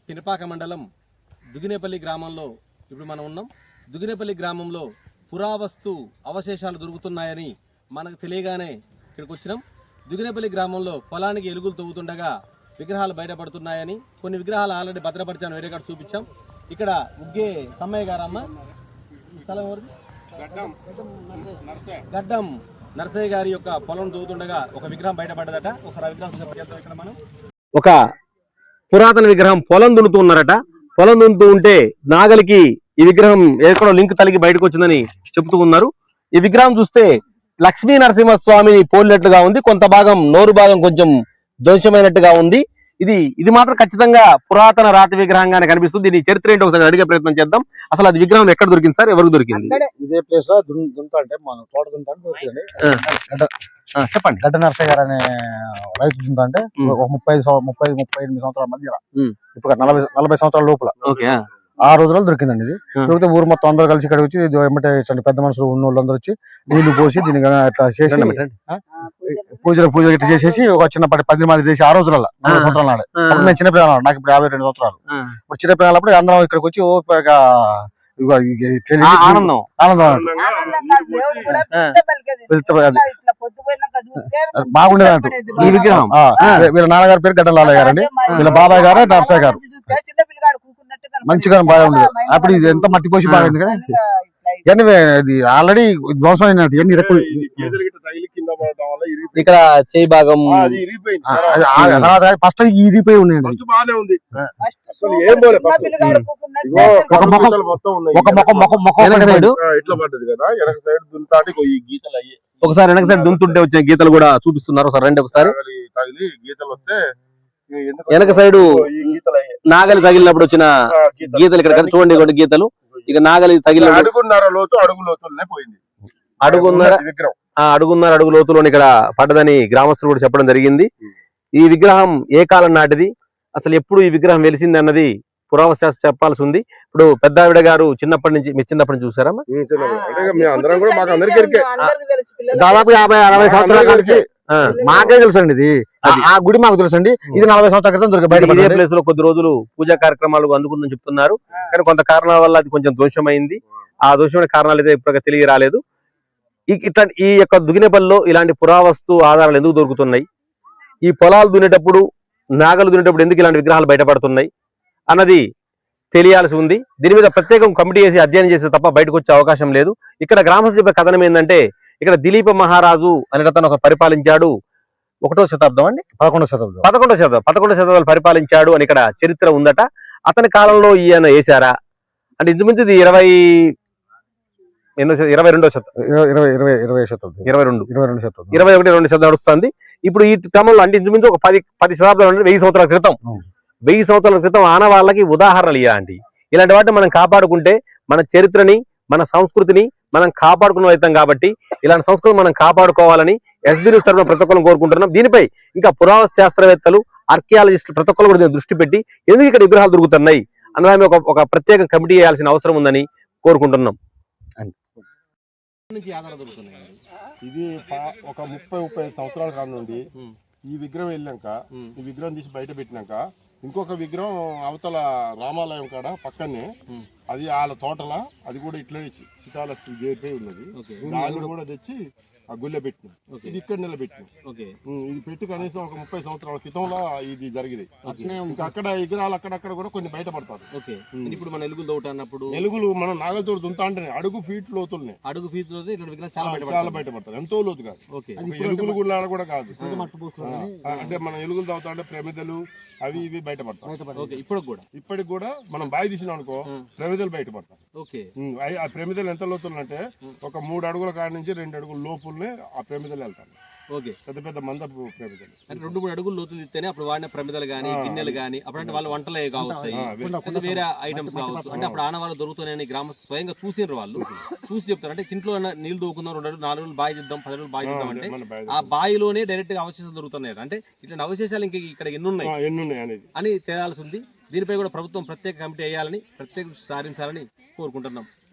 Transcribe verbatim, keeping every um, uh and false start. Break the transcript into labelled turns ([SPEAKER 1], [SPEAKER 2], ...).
[SPEAKER 1] పినపాక మండలం దుగినేపల్లి గ్రామంలో ఇప్పుడు మనం ఉన్నాం. దుగినేపల్లి గ్రామంలో పురావస్తు అవశేషాలు దొరుకుతున్నాయని మనకు తెలియగానే ఇక్కడికి వచ్చినాం. దుగినేపల్లి గ్రామంలో పొలానికి ఎలుగులు తవ్వుతుండగా విగ్రహాలు బయటపడుతున్నాయని, కొన్ని విగ్రహాలు ఆల్రెడీ భద్రపరిచాను, వేరే కాడ చూపించాం. ఇక్కడ ఉగ్గే సమ్మయ్య గారమ్మ స్థలం ఎవరిది? గడ్డం నర్సయ్య గారి యొక్క పొలం తవ్వుతుండగా ఒక విగ్రహం బయటపడ్డదట. ఒకసారి విగ్రహం చూసేపటికెళ్తాం. ఇక్కడ మనం ఒక పురాతన విగ్రహం పొలం దున్నుతూ ఉన్నారట. పొలం దున్నుతూ ఉంటే నాగలికి ఈ విగ్రహం ఎక్కడో లింక్ తలిగి బయటకు వచ్చిందని చెబుతూ ఉన్నారు. ఈ విగ్రహం చూస్తే లక్ష్మీ నరసింహస్వామిని పోలినట్లుగా ఉంది, కొంత భాగం నోరు భాగం కొంచెం ధ్వంసమైనట్టుగా ఉంది. ఇది ఇది మాత్రం ఖచ్చితంగా పురాతన రాతి విగ్రహంగానే కనిపిస్తుంది. దీని చరిత్ర ఏంటో ఒకసారి అడిగే ప్రయత్నం చేద్దాం. అసలు అది విగ్రహం ఎక్కడ దొరికింది సార్, ఎవరికి దొరికింది?
[SPEAKER 2] ఇదే ప్లేస్ లో దుంతా అంటే మన తోట దుంతా
[SPEAKER 1] చెప్పండి.
[SPEAKER 2] గడ్డ నరసయ్య గారు అనే రైతు దుంతా అంటే ఒక ముప్పై ముప్పై ముప్పై ఎనిమిది సంవత్సరాల మధ్య, ఇప్పుడు నలభై నలభై సంవత్సరాల లోపల ఆ రోజుల్లో దొరికిందండి. ఇది దొరికితే ఊరు మొత్తం అందరూ కలిసి ఇక్కడికి వచ్చి వెంబటే పెద్ద మనుషులు ఉన్న వాళ్ళందరూ వచ్చి నీళ్లు పోసి దీన్ని ఇట్లా చేసి పూజలు పూజలు ఇట్లా చేసేసి ఒక చిన్నపాటి పది మంది చేసి ఆ రోజులలో నలభై సంవత్సరాల నాడే. అప్పుడు నేను చిన్నపిల్లలు, నాకు ఇప్పుడు యాభై రెండు సంవత్సరాలు. ఇప్పుడు చిన్నపిల్లలప్పుడు అందరం ఇక్కడికి వచ్చి ఆనందం ఆనందం బాగుండేది అంటూ. ఈ విగ్రహం వీళ్ళ నాన్నగారి పేరు గడ్డ లాలయ్య గారు అండి, వీళ్ళ బాబాయ్ గారు నరసయ్య గారు. మంచిగా బాగుండేది. అప్పుడు ఇది ఎంత మట్టి పోసి బాగుంది కదా. ఇది ఆల్రెడీ ధ్వంసం అయినట్టు ఎన్ని రెక్కలు
[SPEAKER 1] ఇక్కడ చేయి భాగం
[SPEAKER 2] ఫస్ట్ ఇరిగిపోయి ఉన్నాయండి. ఒక ముఖం ఒక ముఖం ముఖం ముఖం సైడ్
[SPEAKER 3] ఇట్లా పడ్డది కదా, వెనక సైడ్ దుంతాటి ఈ గీతలు అయ్యి
[SPEAKER 1] ఒకసారి వెనక సైడ్ దుంతుంటే వచ్చిన గీతలు కూడా చూపిస్తున్నారు. ఒకసారి రండి. ఒకసారి
[SPEAKER 3] తగిలి గీతలు వస్తే
[SPEAKER 1] వెనక సైడ్ నాగలి తగిలినప్పుడు వచ్చిన గీతలు ఇక్కడ చూడండి, కొన్ని గీతలు. ఇక నాగలి తగిలిన
[SPEAKER 3] అడుగున్నర లోతు అడుగు లోతులనే పోయింది.
[SPEAKER 1] అడుగున్నర అడుగున్నర అడుగు లోతులోని ఇక్కడ పడ్డదని గ్రామస్తులు కూడా చెప్పడం జరిగింది. ఈ విగ్రహం ఏ కాలం నాటిది, అసలు ఎప్పుడు ఈ విగ్రహం వెలిసింది అన్నది పురావస్తు చెప్పాల్సి ఉంది. ఇప్పుడు పెద్దావిడ గారు చిన్నప్పటి నుంచి, మీరు చిన్నప్పటి నుంచి చూసారా?
[SPEAKER 2] దాదాపు యాభై అరవై సంవత్సరాల నుంచి మాకే తెలుసు అండి. ఇది ఆ గుడి మాకు తెలుసు అండి. ఇది నలభై సంవత్సరాల క్రితం దొరికి
[SPEAKER 1] ఇదే ప్లేస్ లో కొద్ది రోజులు పూజా కార్యక్రమాలు అందుకుందని చెప్తున్నారు. కానీ కొంత కారణాల వల్ల అది కొంచెం దోషమైంది. ఆ దోషమైన కారణాలు అయితే ఇప్పుడు తెలియ రాలేదు. ఇట్లా ఈ యొక్క దుగినేపల్లిలో ఇలాంటి పురావస్తు ఆధారాలు ఎందుకు దొరుకుతున్నాయి, ఈ పొలాలు దున్నేటప్పుడు నాగలు దున్నేటప్పుడు ఎందుకు ఇలాంటి విగ్రహాలు బయటపడుతున్నాయి అన్నది తెలియాల్సి ఉంది. దీని మీద ప్రత్యేకం కమిటీ చేసి అధ్యయనం చేస్తే తప్ప బయటకు వచ్చే అవకాశం లేదు. ఇక్కడ గ్రామస్తులు చెప్పే కథనం ఏంటంటే, ఇక్కడ దిలీప మహారాజు అనేటతను ఒక పరిపాలించాడు. ఒకటో శతాబ్దం అండి,
[SPEAKER 2] పదకొండో శతాబ్దం
[SPEAKER 1] పదకొండో శతాబ్దం పదకొండో శతాబ్దాలు పరిపాలించాడు అని ఇక్కడ చరిత్ర ఉందట. అతని కాలంలో ఈయన వేశారా అంటే ఇంచుమించు ఇది ఇరవై ఎన్నో ఇరవై రెండో శతాబ్దం
[SPEAKER 2] ఇరవై ఇరవై ఇరవై శతాబ్దం ఇరవై రెండు ఇరవై రెండు శతాబ్దం
[SPEAKER 1] ఇరవై ఒకటి రెండు శతాబ్దం నడుస్తుంది. ఇప్పుడు ఈ క్రమంలో అంటే ఇంచుమించు ఒక పది పది శతాబ్దాలు, వెయ్యి సంవత్సరాల క్రితం వెయ్యి సంవత్సరాల క్రితం ఆనవాళ్ళకి ఉదాహరణలు ఇలాంటి ఇలాంటి వాటిని మనం కాపాడుకుంటే మన చరిత్రని, మన సంస్కృతిని మనం కాపాడుకున్న అవుతాం. కాబట్టి ఇలాంటి సంస్కృతి మనం కాపాడుకోవాలని ఎస్బీ న్యూస్ తరఫున ప్రతి ఒక్కరు కోరుకుంటున్నాం. దీనిపై ఇంకా పురావస్తు శాస్త్రవేత్తలు, ఆర్కియాలజిస్టులు ప్రతి ఒక్కరు కూడా దృష్టి పెట్టి ఎందుకు ఇక్కడ విగ్రహాలు దొరుకుతున్నాయి అన్నదాన్ని ఒక ఒక ప్రత్యేక కమిటీ చేయాల్సిన అవసరం ఉందని కోరుకుంటున్నాం.
[SPEAKER 3] ఇది ఒక ముప్పై ముప్పై సంవత్సరాల కాలం నుండి ఈ విగ్రహం వెళ్ళాక, ఈ విగ్రహం తీసి బయట పెట్టినాక ఇంకొక విగ్రహం అవతల రామాలయం కాడ పక్కనే, అది వాళ్ళ తోటల, అది కూడా ఇట్లనే శిథాలస్తు చేరిపోయి ఉన్నది. దాన్ని కూడా తెచ్చి ఆ గుళ్ళె పెట్టిన, ఇది ఇక్కడ నిలబెట్టిన. ఇది పెట్టి కనీసం ఒక ముప్పై సంవత్సరాల క్రితంలో ఇది జరిగింది. అక్కడ విగ్రహాలు అక్కడక్కడ కూడా కొన్ని బయటపడతారు.
[SPEAKER 1] ఇప్పుడు మన ఎలుగులు తోటన్నప్పుడు
[SPEAKER 3] ఎలుగులు మనం నాగలతో దుంతా అంటే అడుగు ఫీట్ లోతుల్ని
[SPEAKER 1] అడుగు ఫీట్
[SPEAKER 3] చాలా బయటపడతారు. ఎంతో లోతు కాదు, ఎలుగులు గుళ్ళ కూడా కాదు. అంటే మనం ఎలుగులు తవ్వుతా అంటే ప్రమిదలు అవి ఇవి బయటపడతాయి.
[SPEAKER 1] ఇప్పుడు కూడా
[SPEAKER 3] ఇప్పటికి కూడా మనం బావి తీసినాం అనుకో ప్రమిదలు బయటపడతాయి. ఆ ప్రమిదలు ఎంత లోతులు అంటే ఒక మూడు అడుగుల కాడి నుంచి రెండు అడుగుల లోపుల్నే ఆ ప్రమిదలు వెళ్తాయి. పెద్ద పెద్ద మందపు ప్రమిదలు
[SPEAKER 1] అంటే రెండు మూడు అడుగులు లోతులు ఇస్తేనే అప్పుడు వాడిన ప్రమిదలు గానీ, గిన్నెలు గానీ, అప్పుడంటే వాళ్ళ వంటలే కావచ్చు, వేరే ఐటమ్స్ కావచ్చు. అంటే అప్పుడు ఆనవాళ్ళు దొరుకుతున్నాయని గ్రామస్తులు స్వయంగా చూసినారు. వాళ్ళు చూసి చెప్తారు. అంటే ఇంట్లో నీళ్లు దూకుందాం, రెండు అడుగులు నాలుగు రోజులు బావి చేద్దాం, పది రోజులు బావి చేద్దాం అంటే ఆ బావిలోనే డైరెక్ట్ గా అవశేషాలు దొరుకుతున్నాయి. అంటే ఇట్లాంటి అవశేషాలు ఇంక ఇక్కడ ఎన్ని ఉన్నాయి అని తేలాల్సి ఉంది. దీనిపై కూడా ప్రభుత్వం ప్రత్యేక కమిటీ వేయాలని, ప్రత్యేక సాధించాలని కోరుకుంటున్నాం.